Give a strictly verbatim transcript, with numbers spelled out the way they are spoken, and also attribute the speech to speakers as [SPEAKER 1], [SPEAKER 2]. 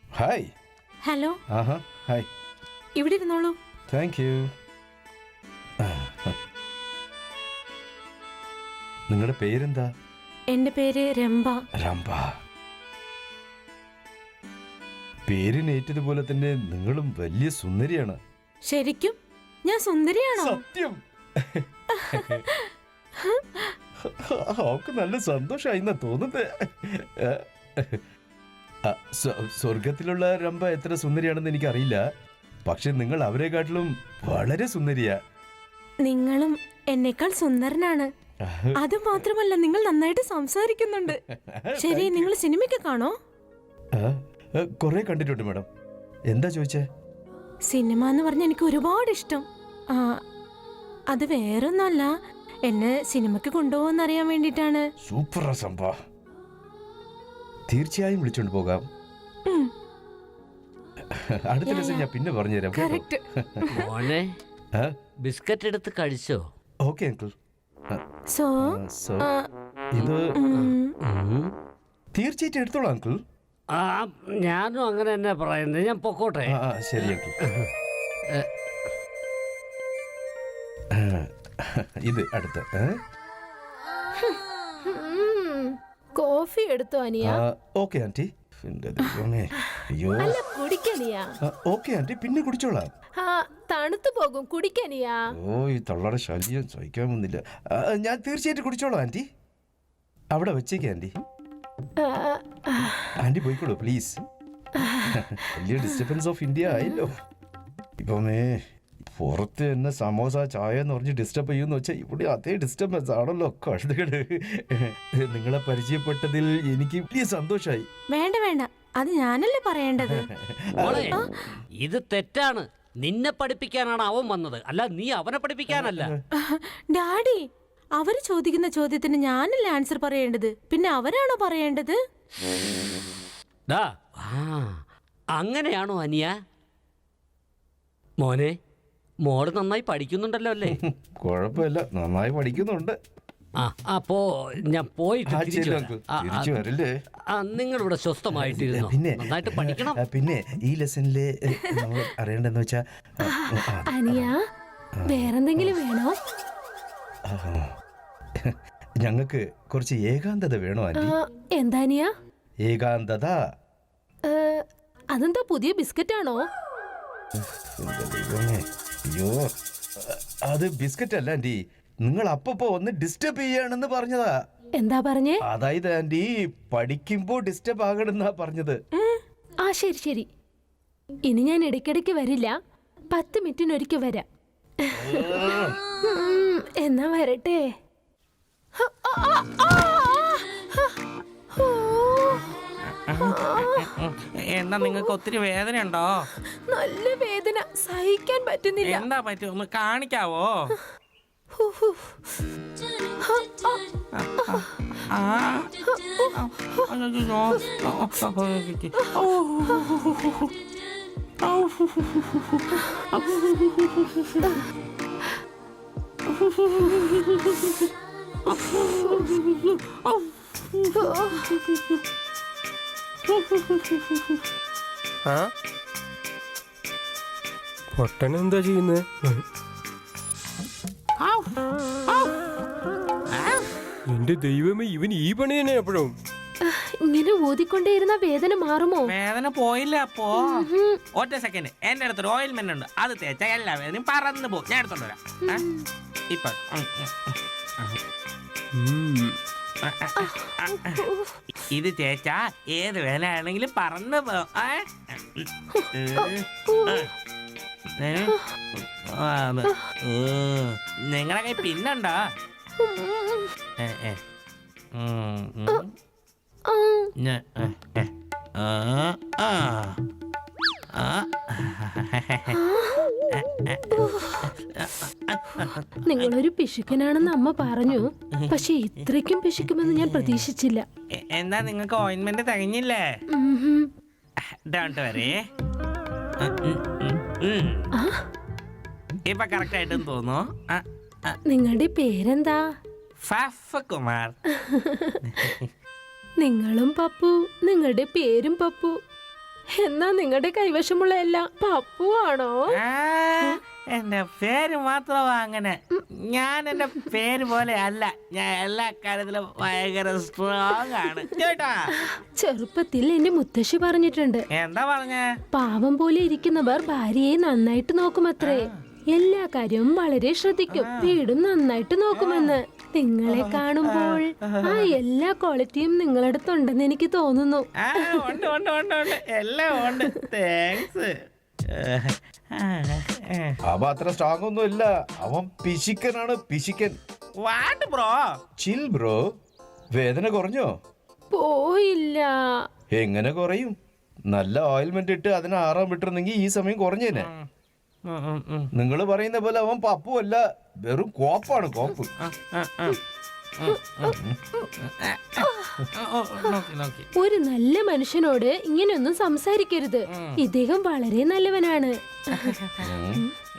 [SPEAKER 1] Hi.
[SPEAKER 2] Hello.
[SPEAKER 1] ആഹാ hi.
[SPEAKER 2] ഇവിടെ ഇരുന്നോളൂ.
[SPEAKER 1] Thank you. നിങ്ങളുടെ പേരെന്താ?
[SPEAKER 2] എന്റെ പേര് രംഭ.
[SPEAKER 1] രംഭ. പേരിനേറ്റതുപോലെ തന്നെ നിങ്ങളും വലിയ സുന്ദരിയാണ്.
[SPEAKER 2] ശരിക്കും ഞാൻ സുന്ദരിയാണോ?
[SPEAKER 1] സത്യം. അവക്ക് നല്ല സന്തോഷമായി തോന്നുന്നത്. സ്വർഗത്തിലുള്ള രംഭ എത്ര സുന്ദരിയാണെന്ന് എനിക്കറിയില്ല, പക്ഷെ നിങ്ങൾ അവരെക്കാട്ടിലും വളരെ സുന്ദരിയാ.
[SPEAKER 2] നിങ്ങളും എന്നെക്കാൾ സുന്ദരനാണ്. അത് മാത്രമല്ല, നിങ്ങൾ നന്നായിട്ട് സംസാരിക്കുന്നുണ്ട്. ശരി, നിങ്ങൾ സിനിമയ്ക്ക് കാണോ?
[SPEAKER 1] കൊറേ കണ്ടിട്ടുണ്ട് മാഡം. എന്താ ചോദിച്ചേ?
[SPEAKER 2] സിനിമ എന്ന് പറഞ്ഞ എനിക്ക് ഒരുപാട് ഇഷ്ടം. ആ, അത് വേറൊന്നല്ല, എന്നെ സിനിമയ്ക്ക് കൊണ്ടുപോകുന്നറിയാൻ വേണ്ടിട്ടാണ്.
[SPEAKER 1] സൂപ്പർ സംഭവ. തീർച്ചയായും വിളിച്ചോണ്ട് പോകാം. അടുത്ത ദിവസം ഞാൻ പിന്നെ പറഞ്ഞുതരാം.
[SPEAKER 3] മോനെ, ബിസ്ക്കറ്റ് എടുത്ത് കഴിച്ചോ?
[SPEAKER 1] Okay uncle.
[SPEAKER 2] സോ
[SPEAKER 1] ഇത് തീർച്ചയായിട്ടും എടുത്തോളാം അങ്കിൾ.
[SPEAKER 3] ആ, ഞാനും അങ്ങനെ തന്നെ പറയുന്നത്. ഞാൻ പൊക്കോട്ടെ.
[SPEAKER 1] ശരി അങ്കിൾ. ഇത് അടുത്ത
[SPEAKER 4] കോഫി എടുത്തോ അനിയ?
[SPEAKER 1] Okay aunty. അയ്യോ, ഓക്കെ ആന്റി, പിന്നെ കുടിച്ചോളാം.
[SPEAKER 4] തണുത്തു പോകും, കുടിക്കനിയാ.
[SPEAKER 1] ഓ, ഈ തള്ളയുടെ ശല്യം സഹിക്കാൻ വന്നില്ല. ഞാൻ തീർച്ചയായിട്ടും കുടിച്ചോളാം ആന്റി. അവിടെ വെച്ചേക്ക് ആന്റി. ആന്റി പോയിക്കോളൂ പ്ലീസ്. വലിയ ഡിസ്റ്റർബൻസ് ഓഫ് ഇന്ത്യ ആയല്ലോ. ഇപ്പമേ പുറത്ത് തന്നെ സമോസ ചായ എന്ന് പറഞ്ഞ് ഡിസ്റ്റർബ് ചെയ്യുമെന്ന് വെച്ചാൽ ഇവിടെ അതേ ഡിസ്റ്റർബൻസ് ആണല്ലോ. കഴുതുകട്, നിങ്ങളെ പരിചയപ്പെട്ടതിൽ എനിക്ക് വലിയ സന്തോഷമായി.
[SPEAKER 2] വേണ്ട വേണ്ട, അത് ഞാനല്ലേ പറയേണ്ടത്.
[SPEAKER 3] ഇത് തെറ്റാണ്. നിന്നെ പഠിപ്പിക്കാനാണ് അവൻ വന്നത്, അല്ല നീ അവനെ പഠിപ്പിക്കാനല്ല.
[SPEAKER 2] ഡാഡി, അവര് ചോദിക്കുന്ന ചോദ്യത്തിന് ഞാനല്ലേ ആൻസർ പറയേണ്ടത്, പിന്നെ അവരാണോ പറയേണ്ടത്?
[SPEAKER 3] അങ്ങനെയാണോ അനിയ? മോനെ, മോള് നന്നായി പഠിക്കുന്നുണ്ടല്ലോ അല്ലേ?
[SPEAKER 1] കുഴപ്പമില്ല, നന്നായി പഠിക്കുന്നുണ്ട്.
[SPEAKER 3] ആ, അപ്പോ ഞാൻ പോയിട്ട് നിങ്ങളിവിടെ സ്വസ്ഥമായിട്ടിരുന്നു.
[SPEAKER 1] പിന്നെ
[SPEAKER 3] നന്നായിട്ട് പഠിക്കണം.
[SPEAKER 1] പിന്നെ ഈ ലെസണില് നമ്മൾ അറിയേണ്ടെന്ന് വെച്ചാ,
[SPEAKER 4] അനിയ വേറെന്തെങ്കിലും വേണോ?
[SPEAKER 1] ഞങ്ങൾക്ക് കുറച്ച് ഏകാന്തത വേണോ ആന്റി?
[SPEAKER 4] എന്താ അനിയ?
[SPEAKER 1] ഏകാന്തത.
[SPEAKER 4] അതെന്താ, പുതിയ ബിസ്ക്കറ്റ് ആണോ?
[SPEAKER 1] അയ്യോ, അത് ബിസ്ക്കറ്റ് അല്ല ആന്റി. നിങ്ങൾ അപ്പപ്പോ ഒന്ന് ഡിസ്റ്റർബ് ചെയ്യാണെന്ന് പറഞ്ഞതാ.
[SPEAKER 4] എന്താ പറഞ്ഞേ?
[SPEAKER 1] അതായത് ആന്റി, പഠിക്കുമ്പോ ഡിസ്റ്റർബ് ആകണമെന്നാ പറഞ്ഞത്.
[SPEAKER 4] ആ, ശരി ശരി. ഇനി ഞാൻ ഇടയ്ക്കിടയ്ക്ക് വരില്ല, പത്ത് മിനിറ്റിനൊരിക്കൽ വരാം. എന്നാ വരട്ടെ.
[SPEAKER 5] എന്താ, നിങ്ങൾക്ക് ഒത്തിരി വേദന ഉണ്ടോ?
[SPEAKER 4] നല്ല വേദന, സഹിക്കാൻ പറ്റുന്നില്ല.
[SPEAKER 5] എന്താ പറ്റും, ഒന്ന് കാണിക്കാവോ?
[SPEAKER 6] പൊട്ടനെന്താ ചെയ്യുന്നത്? എന്റെ ദൈവമേ, ഇവൻ ഈ പണി തന്നെ എപ്പോഴും.
[SPEAKER 4] ഇങ്ങനെ ഊതിക്കൊണ്ടേയിരുന്ന വേദന മാറുമോ?
[SPEAKER 5] വേദന പോയില്ല. അപ്പോ ഒറ്റ സെക്കൻഡ്, എന്റെ അടുത്തൊരു ഓയിൽമെന്റ് ഉണ്ട്, അത് തേച്ചാ എല്ലാ വേദനയും പറന്ന് പോകും. ഞാൻ എടുത്തോണ്ട് വരാം. ഇപ്പൊ ഇത് തേച്ചാ ഏത് വേദന ആണെങ്കിലും പറന്ന് പോകും. നിങ്ങളെ കൈ പിന്നുണ്ടോ?
[SPEAKER 4] നിങ്ങളൊരു പിശുക്കനാണെന്ന് അമ്മ പറഞ്ഞു, പക്ഷെ ഇത്രയ്ക്കും പിശുക്കുമെന്ന് ഞാൻ പ്രതീക്ഷിച്ചില്ല.
[SPEAKER 5] എന്താ, നിങ്ങൾക്ക് ഓയിൻമെന്റ് തികഞ്ഞില്ലേ? Don't worry. ഇപ്പൊ കറക്റ്റ് ആയിട്ടും തോന്നുന്നു.
[SPEAKER 4] നിങ്ങളുടെ പേരെന്താ?
[SPEAKER 5] കുമാർ.
[SPEAKER 4] നിങ്ങളും പപ്പു, നിങ്ങളുടെ പേരും പപ്പു. എന്നാ നിങ്ങളുടെ കൈവശമുള്ള എല്ലാം പപ്പു ആണോ?
[SPEAKER 5] ആ, എന്റെ പേര് മാത്രമാ അങ്ങനെ. ഞാൻ എന്റെ പേര് പോലെ അല്ല, ഞാൻ എല്ലാ കാര്യത്തിലും ഭയങ്കര സ്ട്രോങ് ആണ് കേട്ടാ.
[SPEAKER 4] ചെറുപ്പത്തിൽ എന്റെ മുത്തശ്ശി പറഞ്ഞിട്ടുണ്ട്,
[SPEAKER 5] എന്താ പറഞ്ഞേ?
[SPEAKER 4] പാവം പോലെ ഇരിക്കുന്നവർ ഭാര്യയെ നന്നായിട്ട് നോക്കുമത്രേ. എല്ലാ കാര്യവും വളരെ ശ്രദ്ധിക്കും, വീടും നന്നായിട്ട് നോക്കുമെന്ന്. നിങ്ങളെ കാണുമ്പോൾ ആ എല്ലാ ക്വാളിറ്റിയും നിങ്ങളടുത്തുണ്ടെന്ന് എനിക്ക് തോന്നുന്നു.
[SPEAKER 5] ആ, ഉണ്ട് ഉണ്ട് ഉണ്ട് ഉണ്ട്, എല്ലാം ഉണ്ട്. താങ്ക്സ്.
[SPEAKER 1] അവൻ അത്ര സ്ട്രോങ് ഒന്നും ഇല്ല, അവൻ പിശിക്കനാണ്, പിശിക്കൻ.
[SPEAKER 5] What bro?
[SPEAKER 1] Chill bro. വേദന കുറഞ്ഞോ?
[SPEAKER 4] പോയില്ല.
[SPEAKER 1] എങ്ങനെ കുറയും? നല്ല ഓയിൽമെന്റ് ഇട്ട് അതിനെ ആറാൻ വിട്ടിരുന്നെങ്കിൽ ഈ സമയം കുറഞ്ഞേനെ. നിങ്ങൾ പറയുന്ന പോലെ അവൻ പപ്പു അല്ല, വെറും കോപ്പാണ്, കോപ്പ്.
[SPEAKER 4] ഒരു നല്ല മനുഷ്യനോട് ഇങ്ങനെയൊന്നും സംസാരിക്കരുത്. ഇദ്ദേഹം വളരെ നല്ലവനാണ്.